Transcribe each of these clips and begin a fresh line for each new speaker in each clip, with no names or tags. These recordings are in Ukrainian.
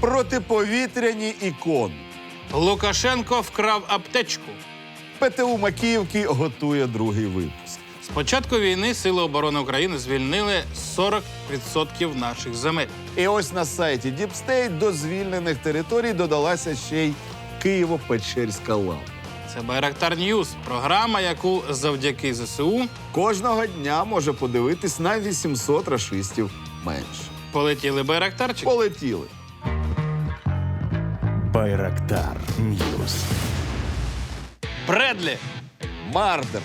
Протиповітряні ікони.
Лукашенко вкрав аптечку.
ПТУ Макіївки готує другий випуск.
З початку війни Сили оборони України звільнили 40% наших земель.
І ось на сайті Діпстейт до звільнених територій додалася ще й Києво-Печерська лава.
Це Байрактар Ньюс, програма, яку завдяки ЗСУ
Кожного дня може подивитись на 800 рашистів менше.
полетіли байрактарчики.
Полетіли.
Байрактар Ньюс.
Бредлі,
Мардер,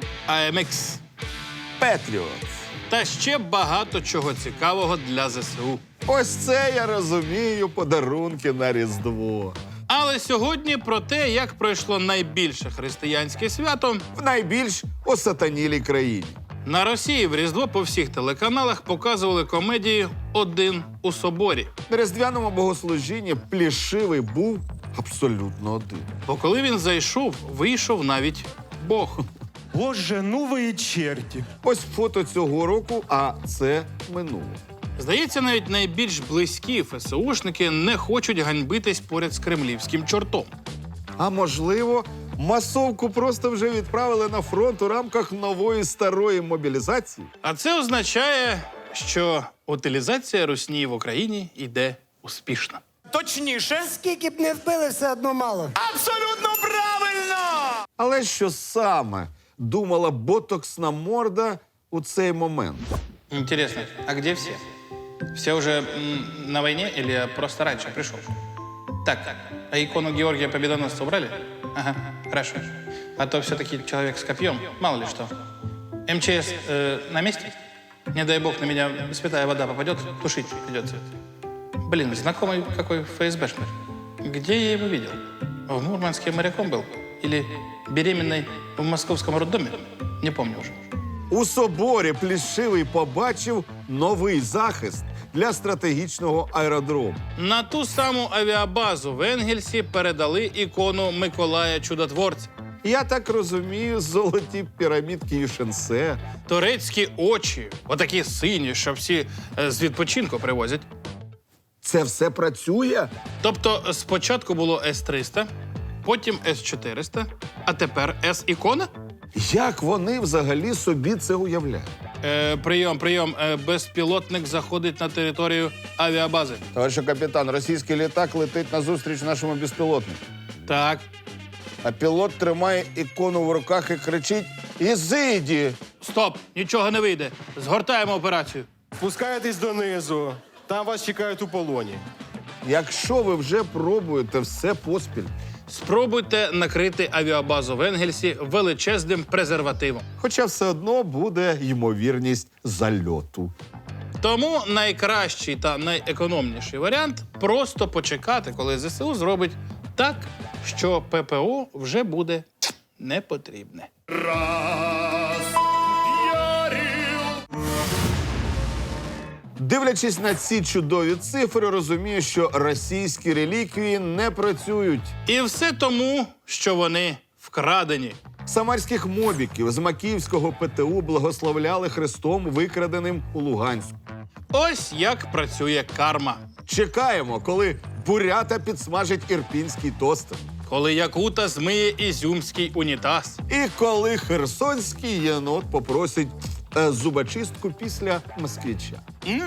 АМХ
Петріот.
та ще багато чого цікавого для ЗСУ.
Ось це я розумію подарунки на Різдво.
Але сьогодні про те, як пройшло найбільше християнське свято.
В найбільш осатанілій країні.
На Росії в Різдво по всіх телеканалах показували комедії «Один у соборі».
На різдвяному богослужінні Плішивий був абсолютно один.
Бо коли він зайшов, вийшов навіть Бог.
Боже, ну ви і черті.
Ось фото цього року, а це минуле.
Здається, навіть найбільш близькі ФСУшники не хочуть ганьбитись поряд з кремлівським чортом.
А можливо, масовку просто вже відправили на фронт у рамках нової старої мобілізації?
А це означає, що утилізація русні в Україні йде успішно.
Точніше.
Скільки б не вбили, все одно мало.
Абсолютно правильно!
Але що саме думала ботоксна морда у цей момент?
Интересно, а где все? Все уже на войне или я просто раньше пришел? Так, а икону Георгия Победоносца убрали? Ага, хорошо. А то все-таки человек с копьем, мало ли что. МЧС на месте? Не дай бог на меня святая вода попадет, тушить придется. Блин, знакомый какой ФСБшник. Где я его видел? В Мурманске моряком был? Или беременной в московском роддоме? Не помню уже.
У соборі Плішивий побачив новий захист для стратегічного аеродрому.
На ту саму авіабазу в Енгельсі передали ікону Миколая Чудотворця.
Я так розумію, золоті пірамідки Юшенсе.
Турецькі очі, отакі сині, що всі з відпочинку привозять.
Це все працює?
Тобто спочатку було С-300, потім С-400, а тепер С-ікона?
Як вони взагалі собі це уявляють?
Прийом. Безпілотник заходить на територію авіабази.
Товариш капітан, російський літак летить назустріч нашому безпілотнику.
Так.
А пілот тримає ікону в руках і кричить «Ізиді!».
Стоп, нічого не вийде. Згортаємо операцію.
Спускаєтесь донизу. Там вас чекають у полоні.
Якщо ви вже пробуєте все поспіль,
Спробуйте накрити авіабазу в Енгельсі величезним презервативом.
хоча все одно буде ймовірність зальоту.
Тому найкращий та найекономніший варіант – просто почекати, коли ЗСУ зробить так, що ППО вже буде не потрібне.
Дивлячись на ці чудові цифри, розумію, що російські реліквії не працюють.
І все тому, що вони вкрадені.
Самарських мобіків з Макіївського ПТУ благословляли хрестом, викраденим у Луганську.
Ось як працює карма.
Чекаємо, коли бурята підсмажить ірпінський тостер.
Коли якута змиє ізюмський унітаз.
І коли херсонський єнот попросить зубочистку після москвича.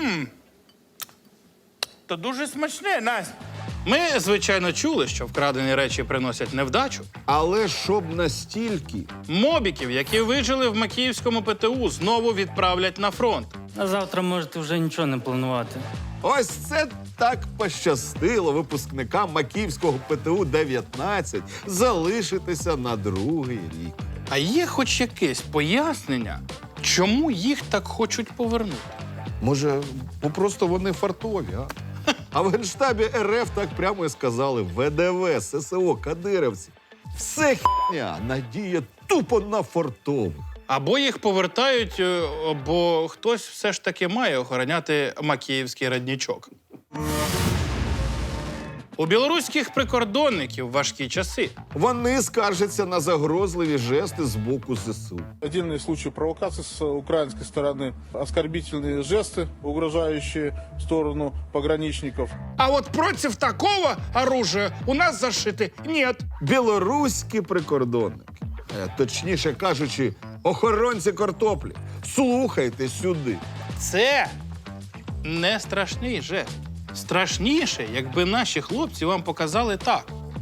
То дуже смачне, Настя. Ми, звичайно, чули, що вкрадені речі приносять невдачу.
Але щоб настільки.
Мобіків, які вижили в Макіївському ПТУ, знову відправлять на фронт.
На завтра можете вже нічого не планувати.
Ось це так пощастило випускникам Макіївського ПТУ-19 залишитися на другий рік.
А є хоч якесь пояснення, чому їх так хочуть повернути?
Може, просто вони фартові, а? А в Генштабі РФ так прямо і сказали: ВДВ, ССО, кадирівці. Все хіня, надія тупо на фартових.
Або їх повертають, бо хтось все ж таки має охороняти Макіївський роднічок. У білоруських прикордонників важкі часи.
Вони скаржаться на загрозливі жести з боку ЗСУ.
Отдельные случаи провокаций с украинской стороны, оскорбительные жесты, угрожающие в сторону пограничников.
А от проти такого оружия у нас зашити нет.
Білоруські прикордонники, точніше кажучи, охоронці картоплі, слухайте сюди.
Це не страшний жест. Страшніше, якби наші хлопці вам показали так.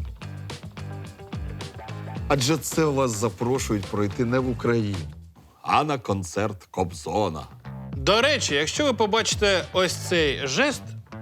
Адже це вас запрошують пройти не в Україну, а на концерт Кобзона.
До речі, якщо ви побачите ось цей жест,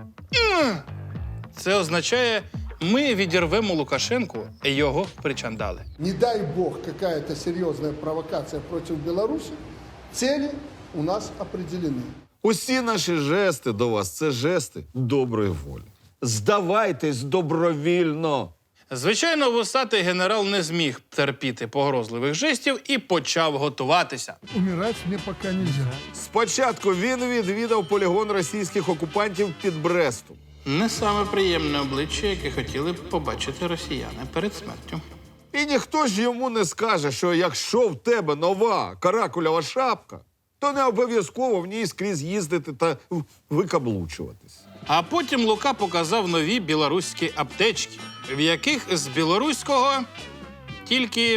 це означає, ми відірвемо Лукашенку і його причандали.
Не дай бог какая-то серьезная провокация против Беларуси, цели у нас определены.
Усі наші жести до вас – це жести доброї волі. Здавайтесь добровільно.
Звичайно, вусатий генерал не зміг терпіти погрозливих жестів і почав готуватися.
Умирать мне пока нельзя.
Спочатку він відвідав полігон російських окупантів під Брестом.
Не саме приємне обличчя, яке хотіли б побачити росіяни перед смертю.
І ніхто ж йому не скаже, що якщо в тебе нова каракулява шапка, то не обов'язково в ній скрізь їздити та викаблучуватись.
А потім Лука показав нові білоруські аптечки, в яких з білоруського тільки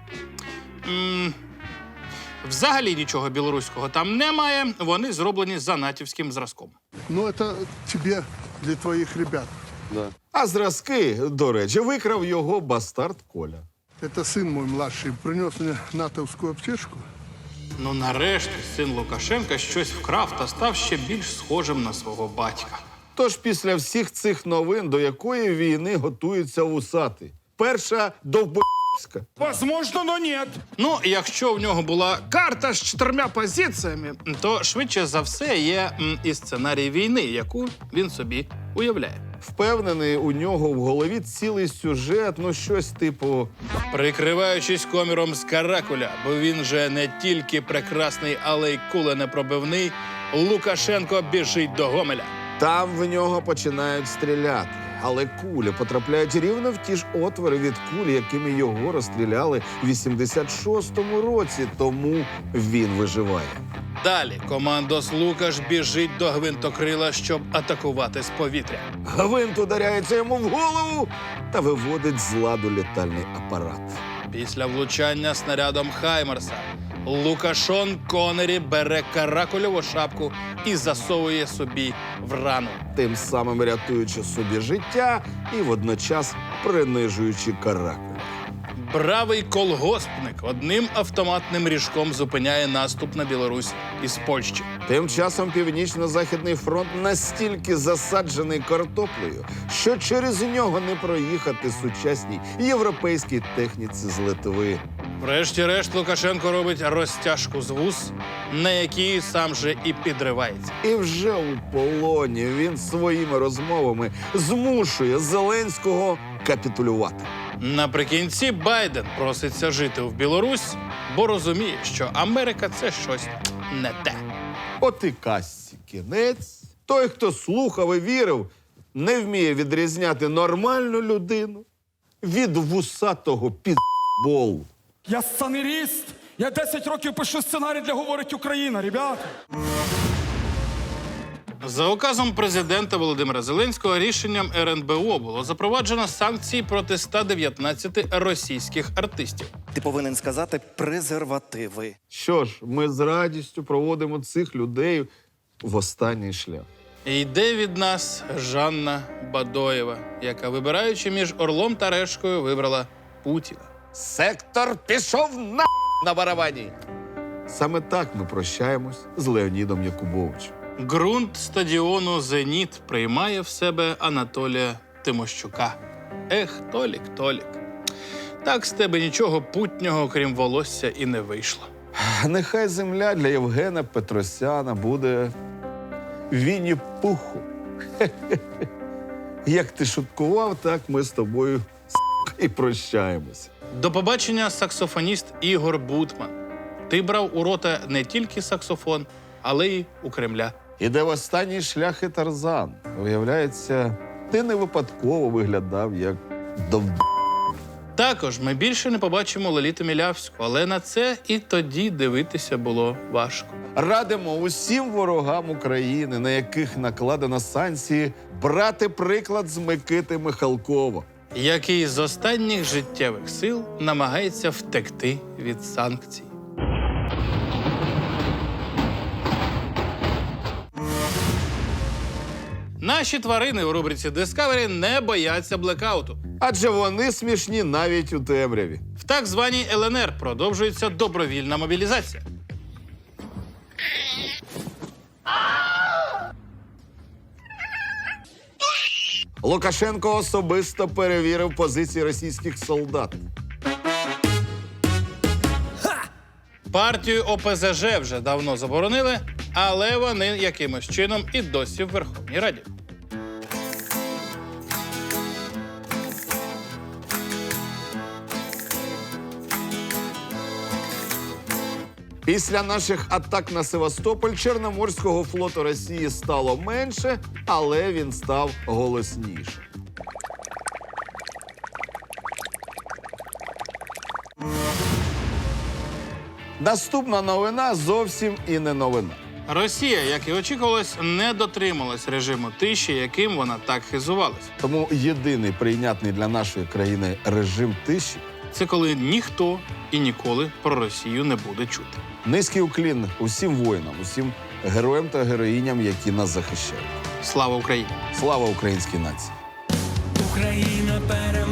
взагалі нічого білоруського там немає, вони зроблені за натівським зразком.
Ну, это тебе для твоих ребят.
А зразки, до речі, викрав його бастард Коля.
Это сын мой младший принес мне натовскую аптечку.
Ну, нарешті, син Лукашенка щось вкрав та став ще більш схожим на свого батька.
Тож після всіх цих новин до якої війни готуються вусати? Перша – довбоська.
Возможно, но нет.
Ну, якщо в нього була карта з 4 позиціями, то швидше за все є і сценарій війни, яку він собі уявляє.
Впевнений, у нього в голові цілий сюжет, ну щось типу
Прикриваючись коміром з каракуля, бо він же не тільки прекрасний, але й куленепробивний, Лукашенко біжить до Гомеля.
там в нього починають стріляти. Але кулі потрапляють рівно в ті ж отвори від кулі, якими його розстріляли в 86-му році, тому він виживає.
Далі командос Лукаш біжить до гвинтокрила, щоб атакувати з повітря.
Гвинт ударяється йому в голову та виводить з ладу літальний апарат.
Після влучання снарядом Хаймерса Лукашон Конері бере каракульову шапку і засовує собі в рану.
Тим самим рятуючи собі життя і водночас принижуючи каракуля.
Бравий колгоспник одним автоматним ріжком зупиняє наступ на Білорусь із Польщі.
Тим часом Північно-Західний фронт настільки засаджений картоплею, що через нього не проїхати сучасній європейській техніці з Литви.
Врешті-решт Лукашенко робить розтяжку з вуз, на якій сам же і підривається.
І вже у полоні він своїми розмовами змушує Зеленського капітулювати.
Наприкінці Байден проситься жити в Білорусь, бо розуміє, що Америка – це щось не те.
От і казці кінець. Той, хто слухав і вірив, не вміє відрізняти нормальну людину від вусатого підболу.
Я сценарист. Я 10 років пишу сценарій для «Говорить Україна», ребята.
За указом президента Володимира Зеленського рішенням РНБО було запроваджено санкції проти 119 російських артистів.
Ти повинен сказати презервативи.
Що ж, ми з радістю проводимо цих людей в останній шлях.
І йде від нас Жанна Бадоєва, яка, вибираючи між Орлом та Решкою, вибрала Путіна.
Сектор пішов на барабані. Саме так ми прощаємось з Леонідом Якубовичем.
Ґрунт стадіону «Зеніт» приймає в себе Анатолія Тимощука. Ех, Толік, Толік. Так з тебе нічого путнього, крім волосся, і не вийшло.
Нехай земля для Євгена Петросяна буде Вінні-Пуху. Як ти шуткував, так ми з тобою і прощаємося.
До побачення, саксофоніст Ігор Бутман. Ти брав у рота не тільки саксофон, але й у Кремля.
Іде в останній шлях і Тарзан. Виявляється, Ти не випадково виглядав як
Також ми більше не побачимо Лоліту Мілявську, але на це і тоді дивитися було важко.
Радимо усім ворогам України, на яких накладено санкції, брати приклад з Микити Михалкова.
Який з останніх життєвих сил намагається втекти від санкцій. Наші тварини у рубриці Discovery не бояться блекауту.
Адже вони смішні навіть у темряві.
В так званій ЛНР продовжується добровільна мобілізація.
Лукашенко особисто перевірив позиції російських солдат.
Партію ОПЗЖ вже давно заборонили, але вони якимось чином і досі в Верховній Раді.
Після наших атак на Севастополь Чорноморського флоту Росії стало менше, але він став голосніше. Наступна новина зовсім і не новина.
Росія, як і очікувалось, не дотрималась режиму тиші, яким вона так хизувалась.
Тому єдиний прийнятний для нашої країни режим тиші
Це коли ніхто і ніколи про Росію не буде чути.
– низький уклін усім воїнам, усім героям та героїням, які нас захищають.
Слава Україні!
Слава українській нації!
Україна переможе.